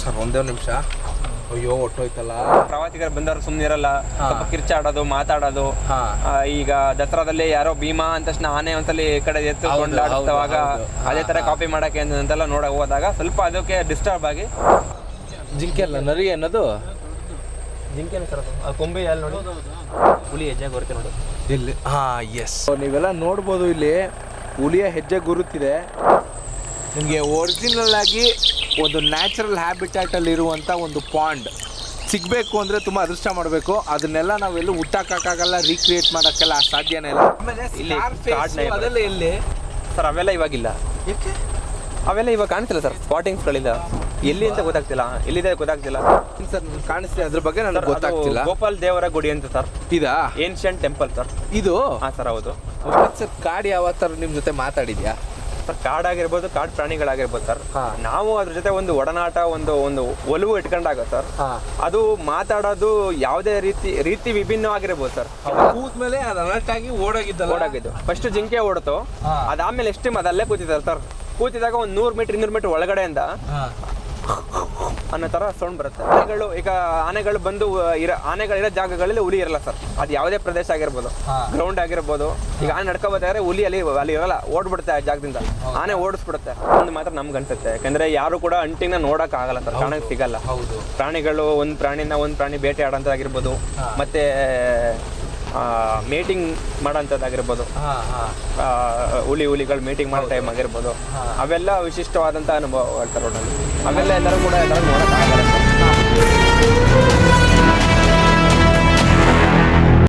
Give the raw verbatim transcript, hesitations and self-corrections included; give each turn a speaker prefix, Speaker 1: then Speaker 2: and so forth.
Speaker 1: Sir ಒಂದೇ ನಿಮಿಷ. ಅಯ್ಯೋ ಹೊಟ್ಟೋಯ್ತಲ್ಲ.
Speaker 2: ಪ್ರವಾಸಿಗರು ಬಂದವರು ಸುಮ್ಮನೆ ಇರಲ್ಲ, ಸ್ವಲ್ಪ ಕಿರ್ಚಾಡೋದು ಮಾತಾಡೋದು. ಈಗ ದಸರಾದಲ್ಲಿ ಯಾರೋ ಭೀಮಾ ಅಂತ ತಕ್ಷಣ ಆನೆ ಒಂದ್ಸಲಿ ಈ ಕಡೆ ಎತ್ತು ಕೊಂಡಾಡುವಾಗ ಅದೇ ತರ ಕಾಪಿ ಮಾಡಕ್ಕೆ ಅಂತೆಲ್ಲ ನೋಡಕ್ ಹೋದಾಗ ಸ್ವಲ್ಪ ಅದಕ್ಕೆ ಡಿಸ್ಟರ್ಬ್ ಆಗಿ.
Speaker 1: ಜಿಂಕೆ ಅಲ್ಲ ನರಿ ಅನ್ನೋದು.
Speaker 2: ಜಿಂಕೆನೇ ಸರ್ ಅದು ಕೊಂಬೆ ಅಲ್ಲಿ ನೋಡಿ ಹುಲಿ ಹೆಜ್ಜೆ ಬರುತ್ತೆ ನೋಡಿ
Speaker 1: ಇಲ್ಲಿ. ಹಾ ಎಸ್, ನೀವೆಲ್ಲ ನೋಡ್ಬೋದು ಇಲ್ಲಿ ಹುಲಿಯ ಹೆಜ್ಜೆ ಗುರುತಿದೆ. ನಿಮಗೆ ಒರಿಜಿನಲ್ ಆಗಿ ಒಂದು ನ್ಯಾಚುರಲ್ ಹ್ಯಾಬಿಟ್ಯಾಟಲ್ಲಿ ಇರುವಂಥ ಒಂದು ಪಾಂಡ್ ಸಿಗಬೇಕು ಅಂದರೆ ತುಂಬ ಅದೃಷ್ಟ ಮಾಡಬೇಕು. ಅದನ್ನೆಲ್ಲ ನಾವೆಲ್ಲೂ ಹುಟ್ಟಾಕಕ್ಕಾಗಲ್ಲ, ರೀಕ್ರಿಯೇಟ್ ಮಾಡೋಕ್ಕೆಲ್ಲ ಸಾಧ್ಯನೇ ಇಲ್ಲ.
Speaker 2: ಇಲ್ಲಿ
Speaker 1: ಅದೆಲ್ಲ ಎಲ್ಲಿ
Speaker 2: ಸರ್? ಅವೆಲ್ಲ ಇವಾಗಿಲ್ಲ.
Speaker 1: ಯಾಕೆ?
Speaker 2: ಅವೆಲ್ಲ ಇವಾಗ ಕಾಣ್ತಿಲ್ಲ ಸರ್, ಸ್ಪಾಟಿಂಗ್ಸ್ಗಳಿಲ್ಲ. ಎಲ್ಲಿ ಅಂತ ಗೊತ್ತಾಗ್ತಿಲ್ಲ, ಎಲ್ಲಿದೆ ಗೊತ್ತಾಗ್ತಿಲ್ಲ
Speaker 1: ಸರ್. ಕಾಣಿಸ್ತಿದೆ, ಅದ್ರ ಬಗ್ಗೆ ನನಗೆ ಗೊತ್ತಾಗ್ತಿಲ್ಲ.
Speaker 2: ಗೋಪಾಲ್ ದೇವರ ಗುಡಿ ಅಂತ ಸರ್,
Speaker 1: ಇದಾ
Speaker 2: ಏನ್ಷಿಯಂಟ್ ಟೆಂಪಲ್ ಸರ್
Speaker 1: ಇದು?
Speaker 2: ಹಾಂ ಸರ್ ಹೌದು
Speaker 1: ಸರ್. ಕಾಡು ಯಾವ ಥರ ನಿಮ್ಮ ಜೊತೆ ಮಾತಾಡಿದ್ಯಾ
Speaker 2: ಸರ್? ಕಾಡಾಗಿರ್ಬೋದು, ಕಾಡು ಪ್ರಾಣಿಗಳಾಗಿರ್ಬೋದು ಸರ್. ನಾವು ಅದ್ರ ಜೊತೆ ಒಂದು ಒಡನಾಟ, ಒಂದು ಒಂದು ಒಲವು ಇಟ್ಕೊಂಡಾಗ ಸರ್, ಅದು ಮಾತಾಡೋದು ಯಾವುದೇ ರೀತಿ ರೀತಿ ವಿಭಿನ್ನವಾಗಿರ್ಬೋದು ಸರ್.
Speaker 1: ಕೂತ್ಮೇಲೆ ಅದು ಅಲರ್ಟ್ ಆಗಿ ಓಡೋಗಿದ್ದಲ್ಲ?
Speaker 2: ಓಡಾಗಿದ್ದು ಫಸ್ಟ್ ಜಿಂಕೆ ಓಡ್ತು, ಅದಾದ್ಮೇಲೆ ಎಷ್ಟು ಅದಲ್ಲೇ ಕೂತಿದ್ದಾರೆ ಸರ್. ಕೂತಿದಾಗ ಒಂದು ನೂರು ಮೀಟರ್ ಇನ್ನೂರು ಮೀಟರ್ ಒಳಗಡೆಯಿಂದ ಅನ್ನೋ ಥರ ಸೌಂಡ್ ಬರುತ್ತೆ. ಆನೆಗಳು ಈಗ ಆನೆಗಳು ಬಂದು ಇರೋ ಆನೆಗಳಿರೋ ಜಾಗಗಳಲ್ಲಿ ಹುಲಿ ಇರಲ್ಲ ಸರ್. ಅದು ಯಾವುದೇ ಪ್ರದೇಶ ಆಗಿರ್ಬೋದು, ಗ್ರೌಂಡ್ ಆಗಿರ್ಬೋದು. ಈಗ ಆನೆ ನಡ್ಕೋಬೇಕಾದ್ರೆ ಹುಲಿ ಅಲ್ಲಿ ಅಲ್ಲಿ ಇರಲ್ಲ, ಓಡ್ಬಿಡುತ್ತೆ ಆ ಜಾಗದಿಂದ. ಆನೆ ಓಡಿಸ್ಬಿಡುತ್ತೆ. ಒಂದು ಮಾತ್ರ ನಮ್ಗೆ ಅನ್ಸುತ್ತೆ, ಯಾಕಂದ್ರೆ ಯಾರು ಕೂಡ ಅಂಟಿನ ನೋಡಕ್ ಆಗಲ್ಲ ಸರ್, ಕಾಣಕ್ ಸಿಗಲ್ಲ. ಪ್ರಾಣಿಗಳು ಒಂದು ಪ್ರಾಣಿನ ಒಂದು ಪ್ರಾಣಿ ಬೇಟೆ ಆಡೋಂಥದ್ದಾಗಿರ್ಬೋದು, ಮತ್ತೆ ಮೀಟಿಂಗ್ ಮಾಡೋಂಥದ್ದಾಗಿರ್ಬೋದು, ಹುಲಿ ಹುಲಿಗಳು ಮೀಟಿಂಗ್ ಮಾಡೋ ಟೈಮ್ ಆಗಿರ್ಬೋದು, ಅವೆಲ್ಲ ವಿಶಿಷ್ಟವಾದಂಥ ಅನುಭವ ಹೇಳ್ತಾರೆ ರೋಡಲ್ಲಿ. ಅವೆಲ್ಲ ಎಲ್ಲರೂ ಕೂಡ ಎಲ್ಲರೂ ನೋಡೋಕ್ಕಾಗಲ್ಲ.